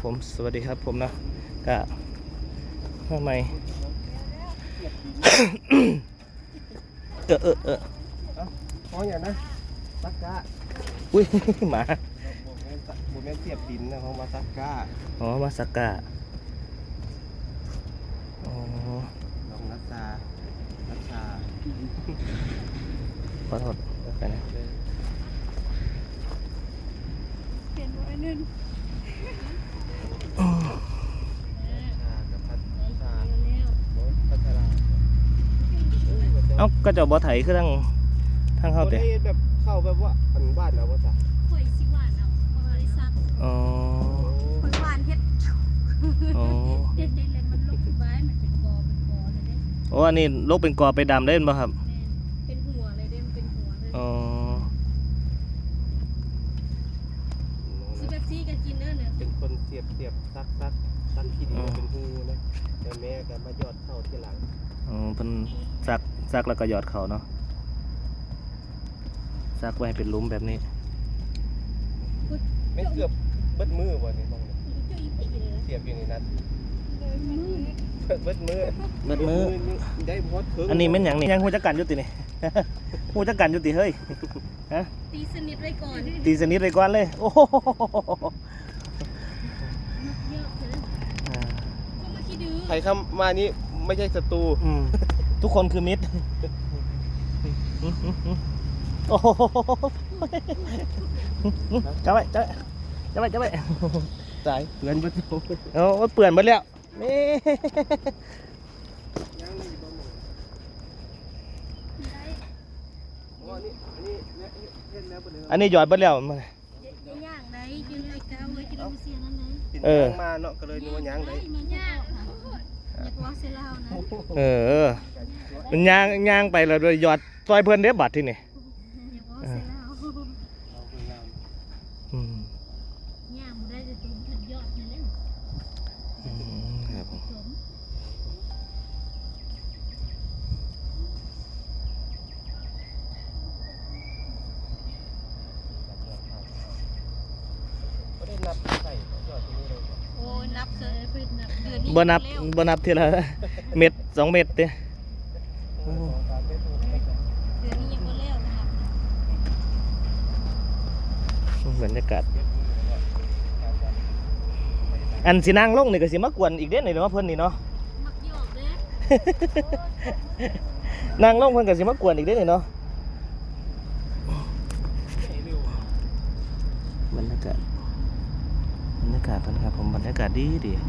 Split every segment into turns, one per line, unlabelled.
ผมสวัสดีครับผมนะกะทำไม
เพราะอย่างนะซักกะ
อุ้ยหมา
บุแม่เสียบดินนะเพราะว่าซักกะ
อ๋อมาสกาอ๋อ
ลองนัชชา
ขอโทษไปนะ
เปลี่ยนไว้นึง
กับพัชา
เร็ว
พัชรา
เอ้าก็จะบ่ไถคือทั้งเข้า
เขา
เตะ
ได้แบบเข้าแบบว่าอันบ้านเราว่าจ้ะ
ๆข่อยสิหวานเอาบ่ได้ซัก
อ๋อ
ข่อยหวานเฮ็ด
อ๋อ
เฮ็ดได้แล้วมันลงไว้มันเป็นกอเลยเด้
โอ้อันนี้ลกเป็นกอไปดำได้ป่ะครับ
แม่นเป็นหัวเลยเด้มันเป็นหัวเลย
อ๋อ
สิแบบซี่ก็กินเด้อเนี่ย
เป็นคนเสียบซักขี้ดินเป็นหูนะแต่แม่ก็มายอดเข้าที่หลัง
อ๋อเพิ่นซักแล้วก็หยอดเขาเนาะซักไว้ให้เป็นหลุมแบบนี้
ไม่เกือบเบิดมือบ่นี่มองเนี่ย
จุ้ยไปเลย
เสียบอยู่ในนั้น
มือ
เบิดมือ
เบิดมือ
ได้พอดเถิง
อันนี้แม่นหยังนี่ยังฮู้จักกันอยู่ตินี่ ฮู้จักกันอยู่ติเฮ้ยฮะ
ตีสนิทไว้ก่อน
ตีสนิทเลยก่อนเลยโอ้โห
เยอะเลยก็มาคิดดื้อ
ใครเข้ามานี่ไม่ใช่ศัตรู
อืมทุกคนคือมิตรโอ้โหจับไว้
สายเพื่อนประตู
โอ้เปื่อนหมดแล้วนี่ อันนี้หยอดหมดแล้ว
ย่างไหนยืนไอ้ก้าวไว้ที่เราเสียนั่นไหน
ปิ่นยางมาเนาะก็เลยนึกว่าย่างได้
มันย่างอยากว่าเซลาวนะ
เออมันย่างไปแล้วโดยหยอดซอยเพื่อนเด้บัดที่นี่
อยากว่าเซลาว
อืม
ย่างมันได้จะตุ้มถึงยอดนี่แล้ว
ครับผม
สม
ก็ได้นับใส่ยอดที่นี่เลย
โอ้ยนับเลยเพิ่นนับเดือนนี้
บ่นับทีละเม็ด2 เม็ดเด้
เดือนนี้ยังบ่แล้วนะครับ
บรรยากาศอันสินั่งลงนี่ก็สิมากวนอีกเด้นี่เนาะเพิ่นนี่เนาะ
มักหยอกเด้
นั่งลงเพิ่นก็สิมากวนอีกเด้นี่เนาะบรรยากาศเพิ่นครับผมบรรยากาศดี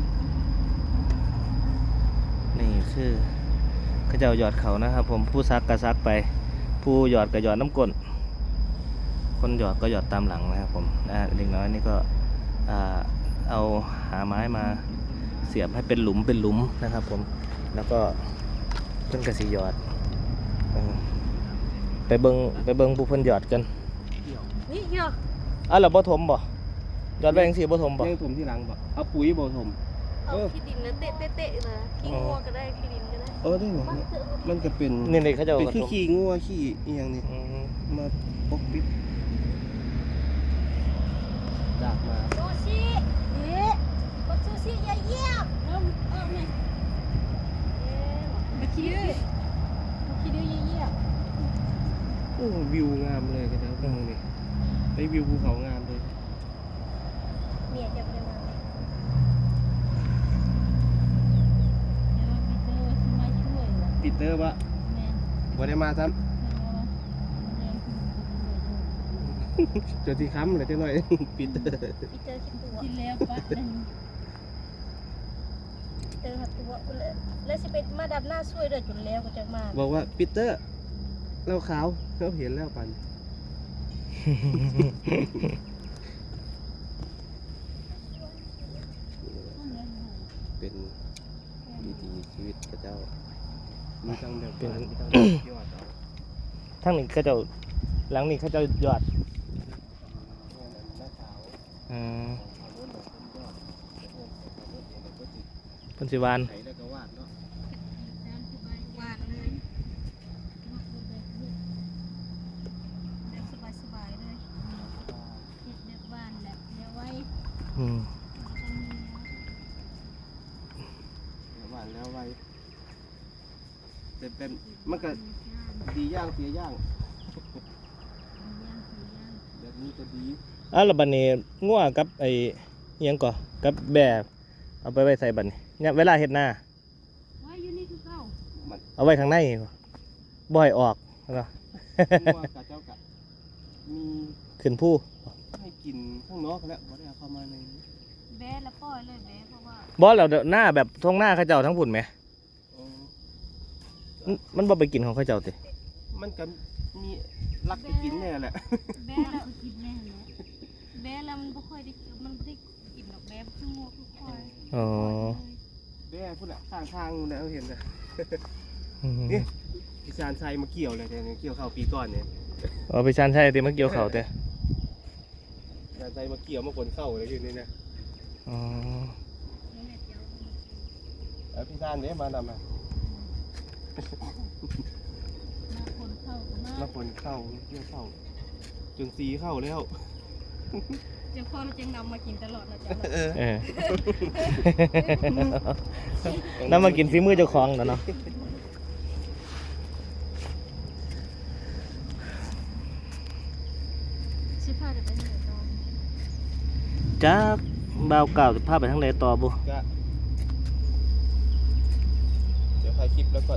นี่คือเขาเจ้าหยอดเขานะครับผมผู้ซักก็ซักไป ผู้หยอดก็หยอดน้ำก้นคนหยอดก็หยอดตามหลังนะครับผมเด็กน้อยนี่ก็เอาหาไม้มาเสียบให้เป็นหลุมนะครับผมแล้วก็เพิ่นก็สิหยอดไปเบิ่งผู้เพิ่นหยอดกัน
นี่หยอก
เราบ่ถมบ่หยอดไปจังซี่บ่ถมบ่
เลี้ยงถมที่หลังบ่เอาปุ๋ยบ่ถม
เอาขี้ดินแล้วเตะเลยขี้งัวก็ได้ขี้ดินก็ได้
ได้เหรอมันก็เป็น
นี่เขาเจ้า
เป็น
ก็
ขี้
ถม
ขี้งัวขี้อีหยังนี่
อืม
มาปกปิดดากมา
ซูชิเอ๊ะกดซูชิอย่าเยี่ยมเริ่มไงมาขี้ดื้ออย่าเยี่ยม
โอ้วิวงามเลยกันแล้วนี่ได้วิวภูเขางามเลย
เนี่ยจะไปมาเดี๋ยวไปเจอที่มาช่วยว่ะ
ปีเตอร์วะ
แม่น
บ่ได้มาซ้ำเจอที่ค้ำเลยจังหน่อย ปีเตอร์
พี่เจอคิดตัวกินแล้วปะเจอหัดตัวแล้วสิเป็นมาดับหน้าช่วยเด้อจนแล้วก็จะมา
บอกว่าปีเตอร์เราขาวเราเห็นแล้วปันเป็นวิถีชีวิตพระเจ้ามีทั้งแบบเป็นมีทั้งแบบยอดเอา
ทั้งนี้เขาเจ้าหลังนี้เขาเจ้าหยอด
หน้าขาว
อืม
เอาเรื่องแบบเป็นยอดแล้วก็ติด
เพิ่นสิวาน
ไถแล้วก็วาดเนาะ
วาดเลยสบายเลยเฮ็ดแบบบ้านแบบเดี๋ยวไว้
อืม
จะมี
านแล้วไว้แต่เป็นมันก็ดีย่างเสียย่างแบบนี้จะดี
แล้วบัดนี้งัวกับไอ้อิหยังก่อกับแบบเอาไปไว้ใส่บัดนี้เนี่ยเวลาเฮ็ดหน้า
ไว้อยู่นี่คือเก่า
เอาไว้ข้างในบ่ให้ออกเนาะ
งัวกับเจ้ากะมี
ขึ้นผู้
ให้กินข้างนอกแล้วบ่ได้เอาเข้ามาในนี้
แบะแล้วปล่อยเลยแบะเพราะว่า
บ่แล้วเดี๋ยวหน้าแบบทงหน้าเขาเจ้าทั้งพุ่นไหม
อ๋อ
มันบ่ไปกินของเขาเจ้าติ
มันก็มีรักไปกินแน่แหละ
แบะแล้วกินแน่แหละแบะแล้วมันบ่ค่อยได้มันบ่ได้กินดอกแบะคืองัวคือควาย
อ๋อ
แม่พูดละข้างทางนู่นนะเอาเห็นนะ
อืม
นี่พิซานไซมาเกี่ยวเลยแต่เกี่ยวข้าวปีก่อนเนี่ย
เอาไปชันใช่ติมาเกี่ยวเขาแต่
พิซานไซมาเกี่ยวมาคนเข้าเลยอยู่นี่นะ
อ๋อ
แล้วพิซานเนี่ยมานำมา
มาคนเข้าก็มา
แล้วคนเข้าเกี่ยวเข้าจนซีเข้าแล้ว
เจ้าพ่อเราจึงนำมากินตลอดนะจ๊ะ
เออ น้ำมากินฝีมือเจ้าของแล้วเนาะ
สิพาเดี๋ยวไปไหนต่อ
จ้าบ่าวเก่าสิพาไปทางใดต่อบ่
ก็เดี๋ยวถ่ายคลิปแล้วก่อน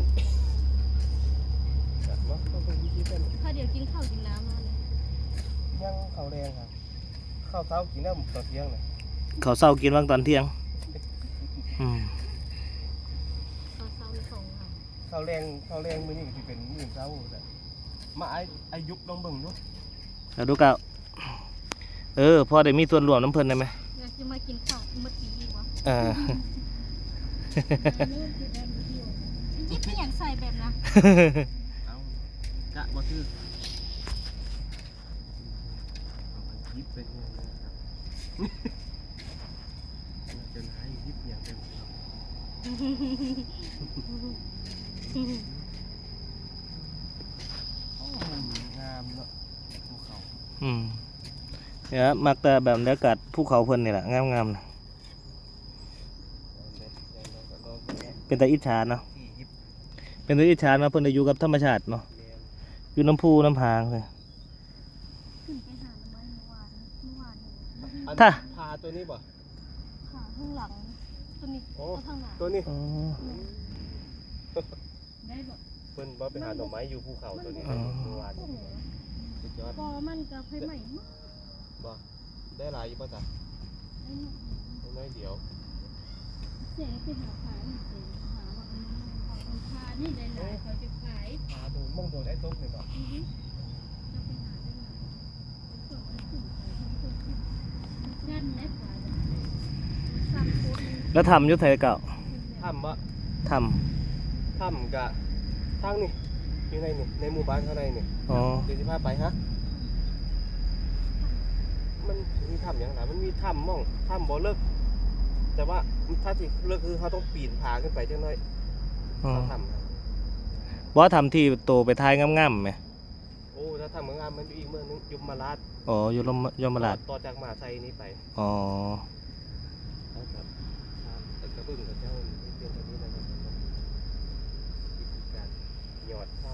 จัดมาเข้าไปวิธีกัน
พาเดี๋ยวกินข้าวกินน้ำมาเลย
ย่างข้าวแรงครับข้าวเช้ากินน้ำตอนเที่ยงเลย
เขาวเช้ากินว่างตอนเที่ยงอืม
ข้าวเช้ามีสองค่ะ
ข้าวแรงมื้อนี้ก็สิเป็นมื้อเช้าแต่มาไอ้ยุบลองเบิ่งดู
แล้วดูเก่าพอได้มีส่วนร่วมน้ำเพิ่นได้ไหม
อยากจะมากินข้าวเมื่อกี้วะ
อ่า
ยิบไม่อยากใส่แบบนะ
เอากะบ่คือยิบเป็นยังไงนะครับจะให้ยิบอย่างเดียวโอ้มันงามเนาะภูเขา
อืมเนี่ยมักแต่แบบบรรยากาศภูเขาเพิ่นนี่แหละงามๆนะเป็นตาอิจฉาเนาะ
ที่ยิบ
เป็นตาอิจฉาเนาะเพิ่นได้อยู่กับธรรมชาติเนาะ
แมน
อยู่น้ำพุน้ำพางเลย
ขึ้นไปหาหน่อไม้เมื่อวานเนี่ย
อัน
ถ้า
พาตัวนี้บ่
ขาข้างหลังตัวนี้
โอ้
ตัวข้างหลัง
ตัวนี้
อ๋อ
ได้บ่
เพิ่นบ่ไปหาหน่อไม้อยู่ภูเขาตัวนี้เมื่อวาน
โอ้โห
สุดยอด
พอมันกับไฟใหม่มาก
บ่ได้หลายอยู่ป่ะจ๊ะ
ไอ้นี่
น้อยเดียว
เสียไปหาขายเสียหาว่ามันพานี่ได้หลายเขาจะขาย
หาดูมองโดนไอ้ตุ๊กเลยบ่
อือฮึจะไปหาได้หลายส่วนไอ้ขึ้นไปทำคนขึ้นยันแม่ขวาสั่งโคตร
แล้วทำอยุทธไทยเก่า
ถ้ำบ่
ท
ถ้ำกะทางนี่อยู่ในนี่ในหมู่บ้านข้างในนี่
ำอ๋อ
เดี๋ยวสิพาไปฮะมันมีถ้ำอย่างไรมันมีถ้ำม่องถ้ำบ่เลิกแต่ว่าถ้าที่เลิกคือเขาต้องปีนผาขึ้นไปจังน้อย
อ๋อ
เขาทำนะ
ว่าทำที่โตไปท้ายงามๆไหม
โอ้ถ้าทำงานมันอยู่อีกเมืองนึงยุมราช
อ๋ออยู่ยมราช
ต่อจากมหาชัยนี้ไป
อ๋อ
แล้วกับกระบึ้งกับเจ้าที่เป็นตัวนี้นะครับวิธีการหยอดข้าว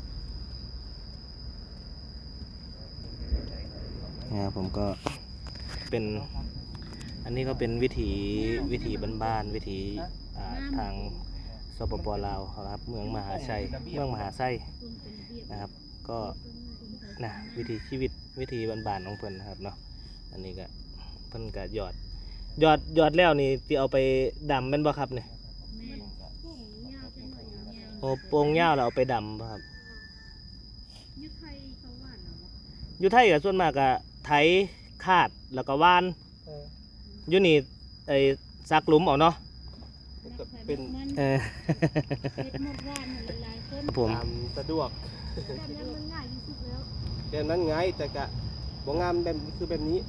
เนี่ยผมก็เป็นอันนี้ก็เป็นวิถีบ้านๆวิถีทางสปปลาวครับเมืองมหาชัยนะครับ ก็นะวิถีชีวิตวิถีบ้านๆของเพิ่นนะครับเนาะอันนี้ก็เพิ่นก็หยอดแล้วนี่ที่เอาไปดำแม่นบ่ครับเนี่ย
แม่พวกยาวจังหน่อยยาว
โอ้โป่งยาวแล้วเอาไปดำบ่ครับ
ยุทธไทยเขาหวานเหรอ
อยู่ไทยก็ส่วนมากก็ไถคาดแล้วก็ว่าน
เออ
อยู่นี่ไอ้ซักหลุมเอาเนาะ
มันก็เป็น
เออ
เฮ็ดหมดว่านมันหลายๆคน
ครับผม
ตามสะดวก
แบบนี้มันง่ายที่สุดแล้ว
แบบนั้นไงแต่กะบ่งามแบบคือแบบนี้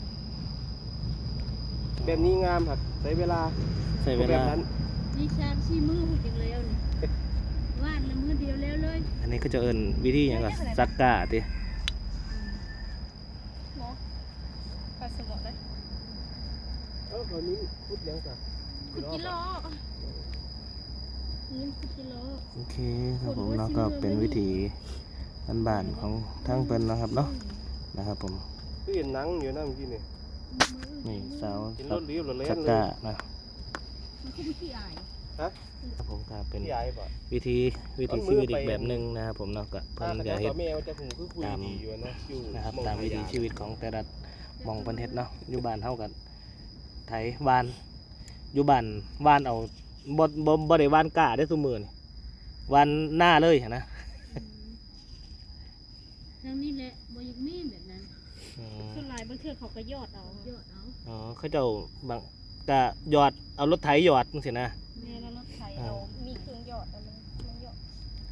แบบนี้งามครับใช้เวลา
ใช้เว
แบ
ลา
บนั้น
นี่ชามชี้มือหุ่นจังแล้วนี่ว่านละมือเดียวแล้วเลย
อันนี้ก็จะเอิ้นวิธีหยังก็ซักกะติ
เนาะปลาสมอเลย
เออตอนนี้พูดยังจ้ะ
คุณกิโลนี่10กิโล
โอเคครับผมเนาะก็เป็นวิถีบ้านๆของทางเพิ่นนะครับเนาะนะครับผม
คือเห็นหนังอยู่นะเมื่อกี้นี่
นี่สาว
เห็น
สั
ร
ก
ถเลี้ยวรถเล่
สั
น
ก
เลย
กะนะ
มันคือขี้อาย
ครับผมก็เป็น
พี่ใหญ่ป่ะ
วิธีชีวิตอีกแบบหนึ่งนะครับผมเนาะก็เพิ่นก็เฮ็ด
แมวจะหูคือคุยดีอยู่นะอยู่
นะครับตามวิถีชีวิตของแต่ละหมองเพิ่นเฮ็ดเนาะอยู่บ้านเฮากันไถวานอยู่บ้านวานเอาบ่ได้วานกะได้ซุมื้อนี่วานหน้าเลยนะ
ทางนี้แหละบ่อยากมีแบบนั้น
อืม
ส่วนหลายบางเทื่อเขาก็ยอดเอายอดเอา
อ๋อเขาเจ้าบางกะหยอดเอารถไถหยอดจังซี่นะ
แม่แล้วรถไถ
เอา
มีเครื่องยอดแต่มันยอด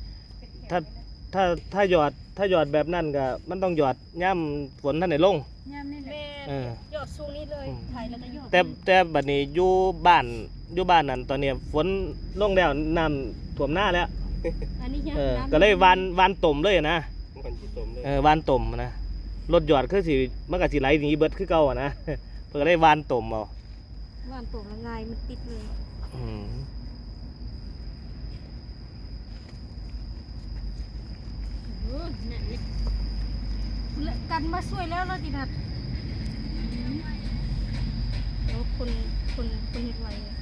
ถ้าหยอดแบบนั้นก็มันต้องหยอดย่ำฝนท่านได้ลง
ยามนี่แหละ
เออ
ยอดสูงนี่เลย
อืม
ไถแล้วก็ยอด
แต่บัดนี้อยู่บ้านนั่นตอนนี้ฝนลงแล้วน้ำท่วมหน้าแล้ว
อันนี้ยังน้ำ
ก็เลยวานต่มเลยนะ
มันที่สมเลย
วานต่มนะรถหยอดคือสิมันก็สิไหลหนีเบิดคือเก่าอะนะ เพิ่นก็ได้วานต่มเอา
ว่านตกละไงมันติดเลย
อืม
เนี่ยกันมาช่วยแล้วเราจินัดคนเฮ็ดไวเลย